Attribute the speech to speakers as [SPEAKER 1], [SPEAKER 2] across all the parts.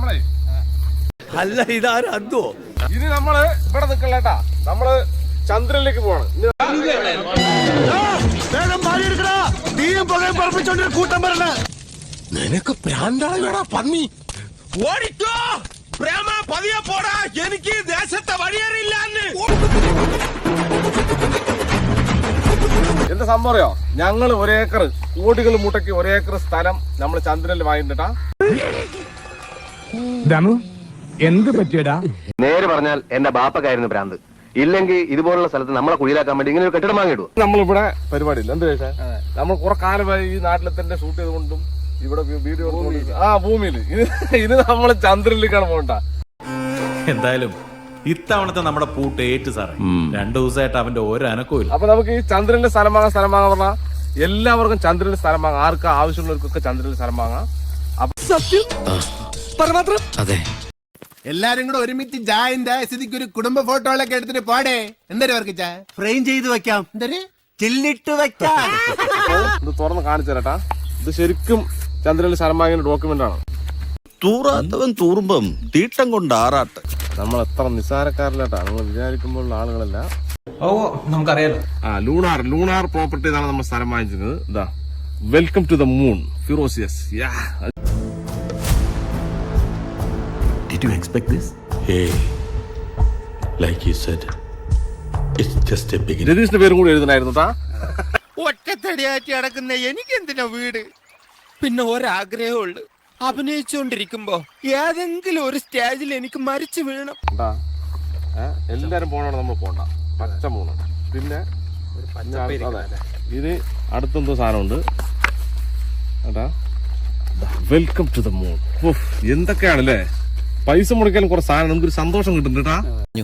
[SPEAKER 1] നമ്മളെ
[SPEAKER 2] അല്ല ഇതാരും അന്തോ
[SPEAKER 1] ഇനി നമ്മള് ഇവിടെ നിക്കല്ലേട്ടാ, നമ്മള് ചന്ദ്രനിലേക്ക് പോവാണ്.
[SPEAKER 2] നിനക്ക് പ്രാന്താളാ പന്നി. ഓടിക്കോ പ്രേമ, പതിയെ പോടാ, എനിക്ക് ദേശത്തെ വഴിയേറിയില്ല.
[SPEAKER 1] എന്താ സംഭവം അറിയോ? ഞങ്ങള് ഒരേക്കർ കോടികൾ മുട്ടയ്ക്ക് ഒരേക്കർ സ്ഥലം നമ്മൾ ചന്ദ്രനിൽ വാങ്ങിട്ടാ.
[SPEAKER 3] എന്ത് പറ്റിയടാ?
[SPEAKER 4] നേര് പറഞ്ഞാൽ എന്റെ ബാപ്പക്കായിരുന്നു ഭ്രാന്ത്. ഇല്ലെങ്കിൽ ഇതുപോലുള്ള സ്ഥലത്ത് നമ്മളെ കുഴിയിലാക്കാൻ വേണ്ടി ഇങ്ങനെ ഒരു കെട്ടിടം വാങ്ങിയിടും.
[SPEAKER 1] നമ്മളിവിടെ പരിപാടി ഇല്ല. എന്ത് ചോദിച്ചാൽ നമ്മൾ കുറെ കാലമായി ഈ നാട്ടിലെ തന്നെ ഷൂട്ട് ചെയ്തുകൊണ്ടും ഇവിടെ വീഡിയോ ഭൂമിയിൽ ഇത് നമ്മൾ ചന്ദ്രനിലേക്കാണ് പോകണ്ട.
[SPEAKER 5] എന്തായാലും ഇത്തവണത്തെ നമ്മുടെ പൂട്ട് ഏറ്റു സാറേ. 2 ദിവസമായിട്ട് അവന്റെ ഒരു അനക്കവും ഇല്ല.
[SPEAKER 1] അപ്പൊ നമുക്ക് ഈ ചന്ദ്രന്റെ സ്ഥലം വാങ്ങാൻ പറഞ്ഞാൽ എല്ലാവർക്കും ചന്ദ്രന്റെ സ്ഥലം വാങ്ങാം. ആർക്ക് ആവശ്യമുള്ളവർക്കൊക്കെ ചന്ദ്രന്റെ സ്ഥലം വാങ്ങാം.
[SPEAKER 2] അതെ,
[SPEAKER 3] എല്ലാരും കൂടെ ഒരുമിച്ച് ജായന്റെ സ്ഥിതിക്ക് ഒരു കുടുംബ ഫോട്ടോകളൊക്കെ എടുത്തിട്ട് പാടേ. എന്തായാലും അവർക്ക് ഫ്രെയിം ചെയ്ത് വെക്കാം, എന്തായാലും ചില്ലിട്ട് വെക്കാം.
[SPEAKER 1] ഇത് തുറന്ന് കാണിച്ചു തരട്ടാ. ഇത് ശരിക്കും ചന്ദ്രനിൽ സ്ഥലം വാങ്ങിയ ഡോക്യുമെന്റ് ആണ്.
[SPEAKER 2] തൂറാത്തവൻ തൂറുമ്പം തീട്ടം കൊണ്ട് ആറാട്ട്.
[SPEAKER 1] നമ്മൾ എത്ര നിസ്സാരക്കാരിലാട്ടാ നമ്മൾ വിചാരിക്കുമ്പോഴുള്ള ആളുകളല്ല.
[SPEAKER 5] ഓ നമുക്കറിയാലോ.
[SPEAKER 1] ലൂണാർ പ്രോപ്പർട്ടി എന്നാണ് നമ്മൾ സ്ഥലം വാങ്ങിച്ചിരുന്നത്. ഇതാ, welcome to the moon ferocious.
[SPEAKER 5] Did you expect this? Hey, like you said, it's just a beginning.
[SPEAKER 1] രതീഷിന്റെ പേരും കൂടി എഴുതണായിരുന്നു ട്ടാ.
[SPEAKER 6] ഒറ്റത്തടിയാറ്റി നടക്കുന്ന എനിക്കെന്തിനാ വീട്? പിന്നെ ഒരാഗ്രഹമുള്ളു, അഭിനയിച്ചുകൊണ്ടിരിക്കുമ്പോ ഏതെങ്കിലും ഒരു സ്റ്റേജിൽ എനിക്ക് മരിച്ചു വീഴണം.
[SPEAKER 1] എല്ലാരും പോണോടെ നമ്മൾ പോണ്ട. പച്ച മൂന്ന് പിന്നെ ഇത് അടുത്തെന്തോ സാധനമുണ്ട് കേട്ടാ. Welcome to the moon. എന്തൊക്കെയാണല്ലേ, പൈസ മുടക്കാനും കുറെ സാധനം, നമുക്കൊരു സന്തോഷം കിട്ടുന്നുണ്ടാ.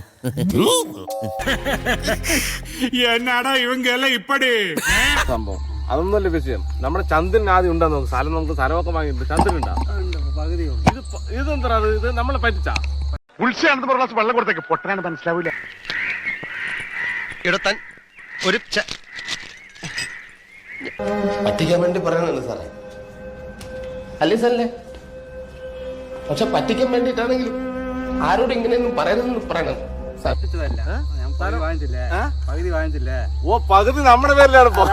[SPEAKER 3] എന്നാടാ ഇവങ്കെല്ലാം ഇപ്പടി
[SPEAKER 1] സംഭവം അതൊന്നുമല്ല വിഷയം. നമ്മുടെ ചന്ദ്രൻ ആദ്യം ഉണ്ടാ നോക്ക് സ്ഥലം. നമുക്ക് സ്ഥലമൊക്കെ വാങ്ങിയിട്ട് ചന്ദ്രൻ ഉണ്ടാ. ഇതെന്താ ഇത് നമ്മളെ പറ്റിച്ചാ.
[SPEAKER 3] ഉത്സവം വെള്ളം കൊടുത്തേക്ക് പൊട്ടനാണ് മനസ്സിലാവൂല.
[SPEAKER 2] ഇടത്താൻ ഒരു
[SPEAKER 7] പറ്റിക്കാൻ വേണ്ടി പറയണല്ലോ സാറേ, അല്ലേ സാറല്ലേ? പക്ഷെ പറ്റിക്കാൻ വേണ്ടിട്ടാണെങ്കിലും ആരോടും ഇങ്ങനെയൊന്നും പറയരുതെന്ന് പറയണം.
[SPEAKER 1] ഓ, പകുതി നമ്മുടെ പേരിലാണ് ഇപ്പൊ.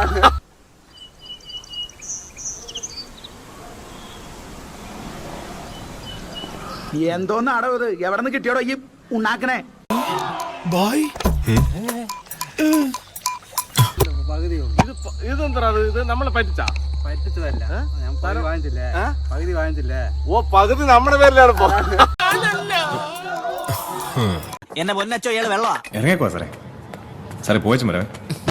[SPEAKER 3] എന്തോന്നാടോ ഇത്? എവിടെ നിന്ന് കിട്ടിയോടോ ഈ ഉണ്ടാക്കണേ?
[SPEAKER 1] ഇതെന്താ ഇത് നമ്മളെ പറ്റിച്ചാ. ഓ, പകുതി നമ്മുടെ പേരിലാണ് ഇപ്പൊ.
[SPEAKER 2] എന്നെ പൊന്നച്ചോ ഇയാള് വെള്ളമാ.
[SPEAKER 8] ഇറങ്ങിക്കോ സാറേ. സാറേ പോയച്ചു മരവേ.